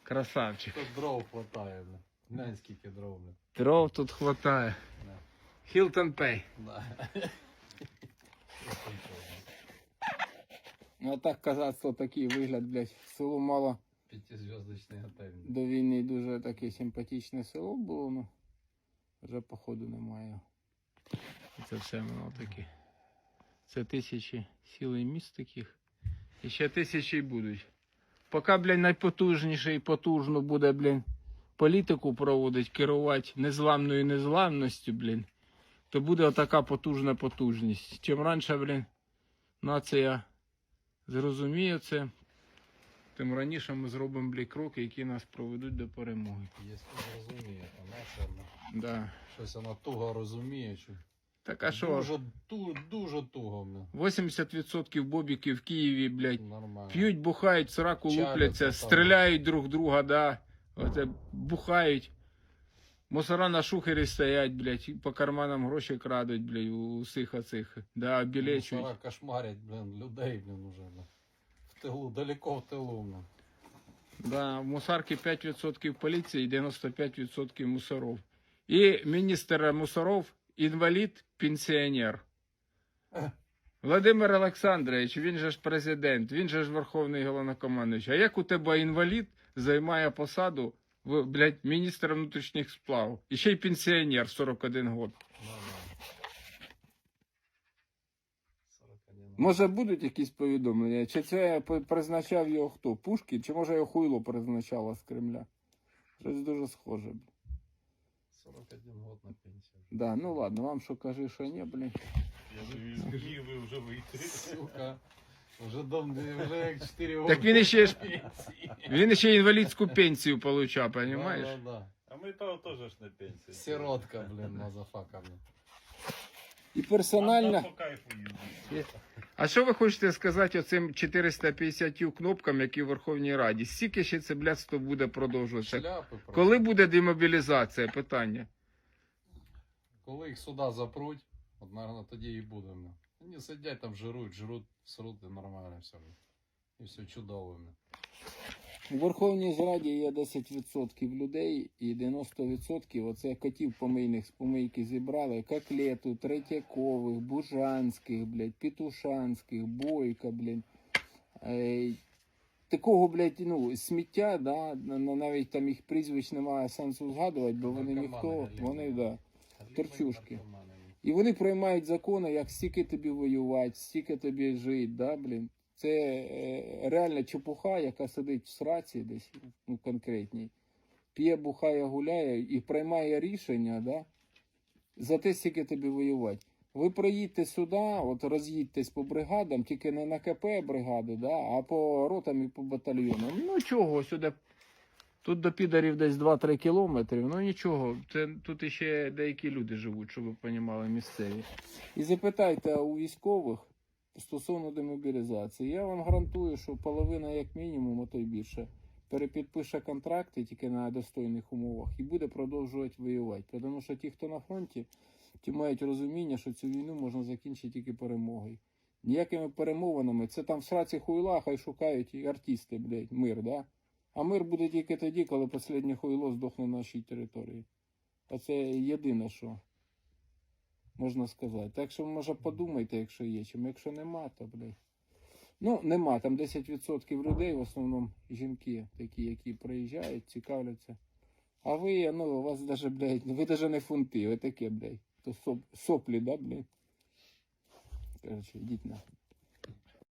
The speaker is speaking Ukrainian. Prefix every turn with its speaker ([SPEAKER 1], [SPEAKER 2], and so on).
[SPEAKER 1] Красавчик.
[SPEAKER 2] Тут дров хватає, бля. Глянь, скільки дров, бля.
[SPEAKER 1] Дров тут хватає.
[SPEAKER 2] Да.
[SPEAKER 1] Hilton Pay.
[SPEAKER 2] Да.
[SPEAKER 1] Ну а так казацтво такий вигляд, блядь. Село мало
[SPEAKER 2] П'ятизв'язочний готель.
[SPEAKER 1] до війни дуже таке симпатичне село було, ну вже походу немає. Це все воно таке. Це тисячі сіл і міст таких. І ще тисячі й будуть. Поки, блядь, найпотужніше і потужно буде, блядь, політику проводить, керувати незламною незламністю, блядь, то буде отака потужна потужність. Чим раніше, блядь, нація зрозуміє це, тим раніше ми зробимо, блядь, кроки, які нас проведуть до перемоги.
[SPEAKER 2] Якщо розуміє, то наша, бля.
[SPEAKER 1] Да.
[SPEAKER 2] Щось вона туго розуміє, що...
[SPEAKER 1] Так а що?
[SPEAKER 2] Дуже туго, бля.
[SPEAKER 1] 80% бобіків в Києві, блядь,
[SPEAKER 2] Нормально.
[SPEAKER 1] п'ють, бухають, сраку
[SPEAKER 2] Чаляться
[SPEAKER 1] лупляться,
[SPEAKER 2] там.
[SPEAKER 1] стріляють друг друга, да. Оце бухають. Мусора на шухері стоять, блядь, по карманам гроші крадуть, блядь, у усіх оцих. Да, білечують.
[SPEAKER 2] Мусора кошмарять, блін, людей, блін, уже, бля. В тилу, далеко в тилу, бля.
[SPEAKER 1] Да, в мусарки 5% поліції, 95% мусоров. І міністр мусоров інвалід, пенсіонер. Володимир Олександрович, він же ж президент, він же ж верховний головнокомандуючий. А як у тебе інвалід займає посаду, блядь, міністра внутрішніх справ? І ще й пенсіонер 41 год. Може будуть якісь повідомлення? Чи це призначав його хто? Пушкін? Чи може його хуйло призначало з Кремля? Щось дуже схоже.
[SPEAKER 2] 41 год на пенсію.
[SPEAKER 1] Да, ну ладно, вам що кажи, що ні, блін.
[SPEAKER 3] Я тобі скажу, ви вже вийти.
[SPEAKER 2] Сука. Вже як 4 роки.
[SPEAKER 1] Так він ще інвалідську пенсію получав, розумієш?
[SPEAKER 2] Да.
[SPEAKER 3] А ми того теж ж на пенсії.
[SPEAKER 2] Сиротка, блін, мазафака, блін.
[SPEAKER 1] І персонально...
[SPEAKER 3] Нам по кайфу їздить.
[SPEAKER 1] А що ви хочете сказати оцим 450 кнопкам, які в Верховній Раді? Скільки ще це блядство буде продовжуватися?
[SPEAKER 2] Шляпи просто.
[SPEAKER 1] Коли буде демобілізація? Питання.
[SPEAKER 2] Коли їх сюди запруть, от, наверное, тоді і буде. бля. Вони сидять там, жруть, сруть, і нормально все. бля. І все чудово. бля.
[SPEAKER 1] У Верховній Раді є 10% людей і 90% оце котів помийних з помийки зібрали. Коклету, Третьякових, Бужанських, блядь, Петушанських, Бойка, блядь. Такого, блядь, ну, сміття, да, навіть там їх прізвищ немає сенсу згадувати, бо вони ніхто, вони, да, торчушки. І вони приймають закони, як стільки тобі воювати, стільки тобі жити, да, блін. Це реальна чепуха, яка сидить в сраці десь, ну, конкретній, п'є, бухає, гуляє і приймає рішення, да, за те, скільки тобі воювати. Ви приїдьте сюди, от роз'їдьтесь по бригадам, тільки не на КП бригади, да, а по ротам і по батальйонам. Ну чого, сюди, тут до підарів десь 2-3 кілометри, ну нічого, це, тут іще деякі люди живуть, щоб ви розуміли, місцеві. І запитайте у військових стосовно демобілізації. Я вам гарантую, що половина, як мінімум, а то й більше, перепідпише контракти тільки на достойних умовах і буде продовжувати воювати. Тому що ті, хто на фронті, ті мають розуміння, що цю війну можна закінчити тільки перемогою. Ніякими перемовинами, це там в сраці хуйла, хай шукають і артисти, блядь, мир, да? А мир буде тільки тоді, коли останнє хуйло здохне на нашій території. А це єдине, що можна сказати. Так що, може, подумайте, якщо є чим. Якщо нема, то, блядь. Ну, нема. Там 10% людей, в основному жінки такі, які приїжджають, цікавляться. А ви, ну, у вас даже, блядь, ви даже не фунти, ви таке, блядь. То соплі, да, блядь? Короче, йдіть на.